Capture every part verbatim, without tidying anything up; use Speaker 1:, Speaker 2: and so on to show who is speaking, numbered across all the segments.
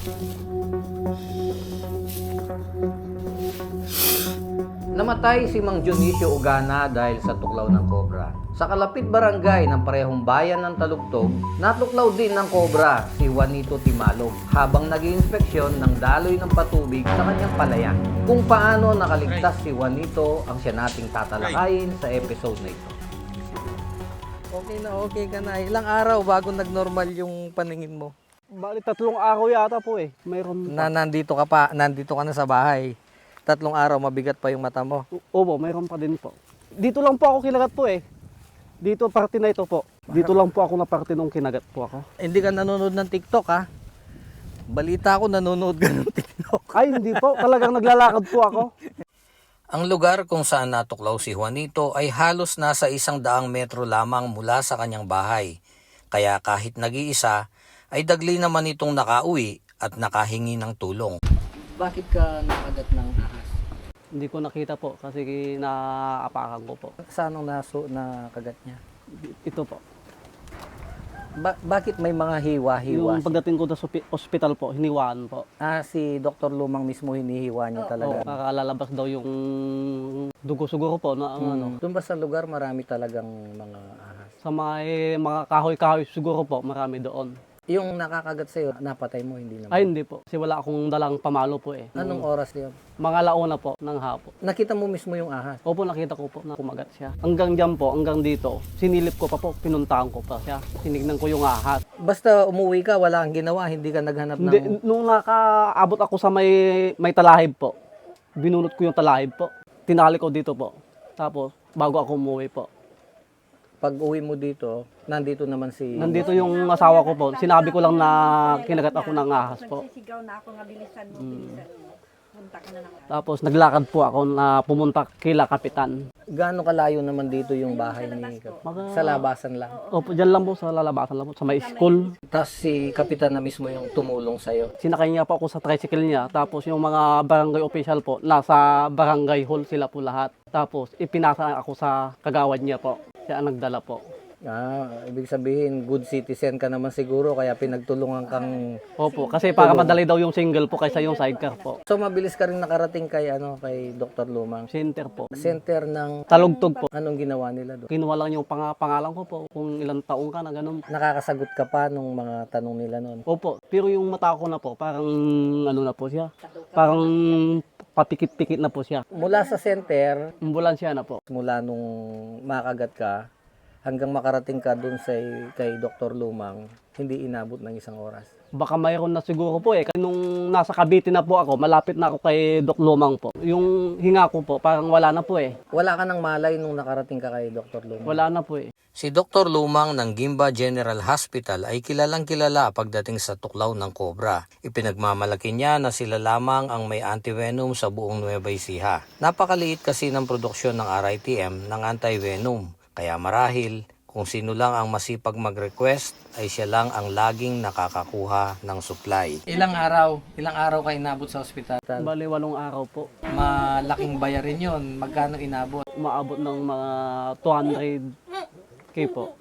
Speaker 1: Namatay si Mang Dionisio Ugana dahil sa tuklaw ng kobra. Sa kalapit barangay ng parehong bayan ng Talugtog, natuklaw din ng kobra si Juanito Timalog habang nag-iinspeksyon ng daloy ng patubig sa kanyang palayan. Kung paano nakaligtas si Juanito ang siya nating tatalakayin sa episode na ito.
Speaker 2: Okay na okay ka na. Ilang araw bago nag-normal yung paningin mo?
Speaker 3: Bali, tatlong araw yata po eh. Mayroon
Speaker 2: Na nandito ka pa, nandito ka na sa bahay. Tatlong araw, mabigat pa yung mata mo.
Speaker 3: Opo, mayroon pa din po. Dito lang po ako kinagat po eh. Dito, parte na ito po. Dito lang po ako na parte nung kinagat po ako.
Speaker 2: Hindi ka nanonood ng TikTok ha? Balita ko nanonood ka ng TikTok.
Speaker 3: Ay, hindi po. Talagang naglalakad po ako.
Speaker 1: Ang lugar kung saan natuklaw si Juanito ay halos nasa isang daang metro lamang mula sa kanyang bahay. Kaya kahit nag-iisa, ay dagli naman itong nakauwi at nakahingi ng tulong.
Speaker 2: Bakit ka nakagat ng ahas?
Speaker 3: Hindi ko nakita po kasi naapakan ko po.
Speaker 2: Saan ang naso na kagat niya?
Speaker 3: Ito po.
Speaker 2: Ba- bakit may mga hiwa-hiwa?
Speaker 3: Yung pagdating ko sa ospital po, hiniwaan po.
Speaker 2: Ah, si Doktor Lumang mismo hinihiwa niya talaga.
Speaker 3: Oo, nakalalabas daw yung dugo siguro po na ang ano.
Speaker 2: Doon ba sa lugar marami talagang mga ahas?
Speaker 3: Sa may mga kahoy-kahoy siguro po, marami doon.
Speaker 2: Yung nakakagat sa'yo, napatay mo, hindi naman?
Speaker 3: Ay, hindi po. Kasi wala akong dalang pamalo po eh.
Speaker 2: Anong oras yun?
Speaker 3: Mga launa po ng hapon.
Speaker 2: Nakita mo mismo yung ahas?
Speaker 3: Opo, nakita ko po na kumagat siya. Hanggang dyan po, hanggang dito, sinilip ko pa po, pinuntahan ko pa siya. Tinignan ko yung ahas.
Speaker 2: Basta umuwi ka, wala kang ginawa, hindi ka naghanap
Speaker 3: Hindi,
Speaker 2: ng...
Speaker 3: nung nakaabot ako sa may, may talahib po, binunot ko yung talahib po. Tinali ko dito po. Tapos, bago ako umuwi po.
Speaker 2: Pag uwi mo dito, nandito naman si...
Speaker 3: Nandito yung asawa ko po. Sinabi ko lang na kinagat ako ng ahas po.
Speaker 4: Nagsisigaw na ako nga bilisan mo, bilisan mo. Punta ka na ng
Speaker 3: Tapos naglakad po ako na pumunta kila kapitan.
Speaker 2: Gaano kalayo naman dito yung bahay ni Kap- Sa labasan lang.
Speaker 3: Opo, dyan lang po sa lalabasan lang po, sa may school.
Speaker 2: Tapos si Kapitan na mismo yung tumulong sa'yo.
Speaker 3: Sinakay niya po ako sa tricycle niya. Tapos yung mga barangay official po, nasa barangay hall sila po lahat. Tapos ipinasa ako sa kagawad niya po. Siya ang nagdala po.
Speaker 2: Ah, ibig sabihin, good citizen ka naman siguro, kaya pinagtulungan kang...
Speaker 3: Opo, kasi para madali daw yung single po kaysa yung sidecar po.
Speaker 2: So mabilis ka rin nakarating kay, ano, kay Doktor Lumang.
Speaker 3: Center po.
Speaker 2: Center ng...
Speaker 3: Talugtog po.
Speaker 2: Anong ginawa nila doon?
Speaker 3: Kinuha lang yung pang pangalan ko po, kung ilang taong ka na ganun.
Speaker 2: Nakakasagot ka pa nung mga tanong nila noon.
Speaker 3: Opo, pero yung mata ko na po, parang ano na po siya. Parang papikit-pikit na po siya.
Speaker 2: Mula sa center,
Speaker 3: Ambulansya na po.
Speaker 2: mula nung makagat ka, hanggang makarating ka dun sa kay Doktor Lumang, hindi inabot ng isang oras.
Speaker 3: Baka mayroon na siguro po eh. Kasi nung nasa Cavite na po ako, malapit na ako kay Doc Lumang po. Yung hinga ko po, parang wala na po eh.
Speaker 2: Wala ka nang malay nung nakarating ka kay Doktor Lumang?
Speaker 3: Wala na po eh.
Speaker 1: Si Doktor Lumang ng Gimba General Hospital ay kilalang kilala pagdating sa tuklaw ng kobra. Ipinagmamalaki niya na sila lamang ang may antivenom sa buong Nueva Ecija. Napakaliit kasi ng produksyon ng R I T M ng antivenom. Kaya marahil, kung sino lang ang masipag mag-request, ay siya lang ang laging nakakakuha ng supply.
Speaker 2: Ilang araw? Ilang araw ka inabot sa ospital?
Speaker 3: Bali, walong araw po.
Speaker 2: Malaking bayarin yon. Magkano inabot?
Speaker 3: Umaabot ng mga two hundred K po.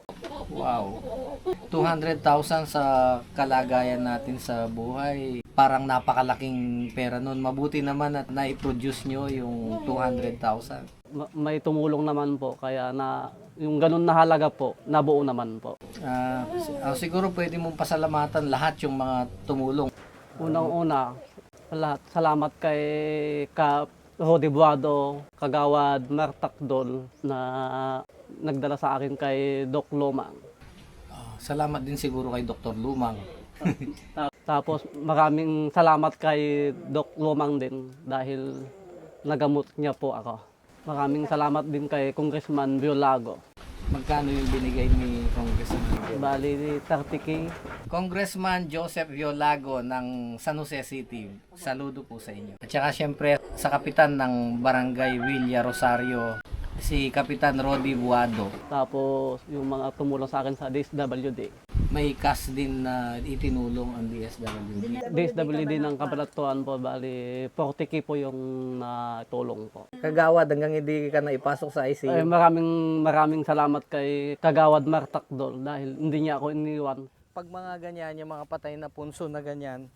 Speaker 2: Wow. two hundred thousand sa kalagayan natin sa buhay. Parang napakalaking pera nun. Mabuti naman at na-produce nyo yung two hundred thousand.
Speaker 3: Ma- May tumulong naman po, kaya na yung ganun na halaga po, nabuo naman po.
Speaker 2: Ah, si- ah, siguro pwede mong pasalamatan lahat yung mga tumulong.
Speaker 3: Unang-una, sa lahat, salamat kay Ka Rodi Buado, Kagawad Martakdol na nagdala sa akin kay Doc Lumang.
Speaker 2: Ah, salamat din siguro kay Doktor Lumang.
Speaker 3: Ta- Tapos maraming salamat kay Doc Lumang din dahil nagamot niya po ako. Maraming salamat din kay Congressman Biolago.
Speaker 2: Magkano yung binigay ni Congressman?
Speaker 3: Bali, thirty K.
Speaker 2: Congressman Joseph Violago ng San Jose City. Saludo po sa inyo. At saka syempre sa kapitan ng Barangay Villa Rosario, si Kapitan Rodi Buado.
Speaker 3: Tapos yung mga tumulong sa akin sa D S W D.
Speaker 2: May cash din na itinulong ang D S W D.
Speaker 3: D S W D ng Kabanatuan po, bali forty K po yung natulong po.
Speaker 2: Kagawad hanggang hindi ka na ipasok sa I C U.
Speaker 3: Ay, maraming maraming salamat kay Kagawad Martakdol dahil hindi niya ako iniwan.
Speaker 2: Pag mga ganyan, yung mga patay na punso na ganyan,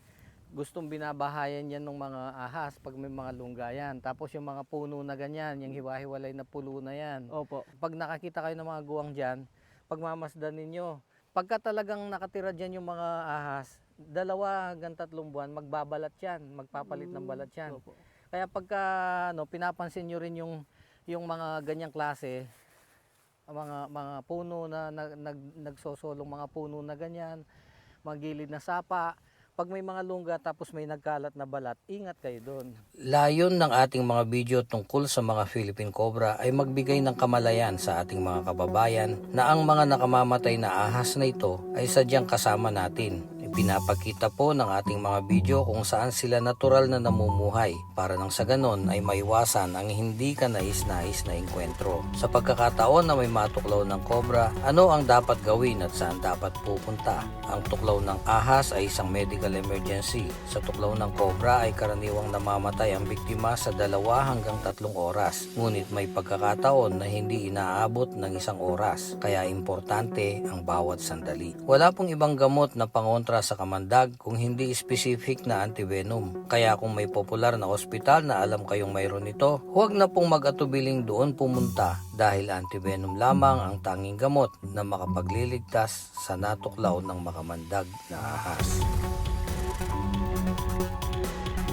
Speaker 2: gustong binabahayan yan ng mga ahas pag may mga lunggayan. Tapos yung mga puno na ganyan, yung hiwa-hiwalay na pulo na yan.
Speaker 3: Opo.
Speaker 2: Pag nakakita kayo ng mga guwang dyan, pagmamasdan ninyo. Pagka talagang nakatira dyan yung mga ahas, dalawa hanggang tatlong buwan, magbabalat yan, magpapalit ng balat yan.
Speaker 3: Opo.
Speaker 2: Kaya pagka ano, pinapansin nyo rin yung, yung mga ganyang klase, mga, mga puno na nag, nag, nagsosolong mga puno na ganyan, mga gilid na sapa, pag may mga lungga tapos may nagkalat na balat, ingat kayo doon.
Speaker 1: Layon ng ating mga video tungkol sa mga Philippine Cobra ay magbigay ng kamalayan sa ating mga kababayan na ang mga nakamamatay na ahas na ito ay sadyang kasama natin. Ipinapakita po ng ating mga video kung saan sila natural na namumuhay para nang sa ganon ay maiwasan ang hindi ka nais-nais na engkwentro. Sa pagkakataon na may matuklaw ng cobra, ano ang dapat gawin at saan dapat pupunta? Ang tuklaw ng ahas ay isang medical emergency. Sa tuklaw ng cobra ay karaniwang namamatay ang biktima sa dalawa hanggang tatlong oras. Ngunit may pagkakataon na hindi inaabot ng isang oras. Kaya importante ang bawat sandali. Wala pong ibang gamot na pangontra sa kamandag kung hindi specific na antivenom. Kaya kung may popular na ospital na alam kayong mayroon nito, huwag na pong mag-atubiling doon pumunta dahil antivenom lamang ang tanging gamot na makapagliligtas sa natuklaw ng makamandag na ahas.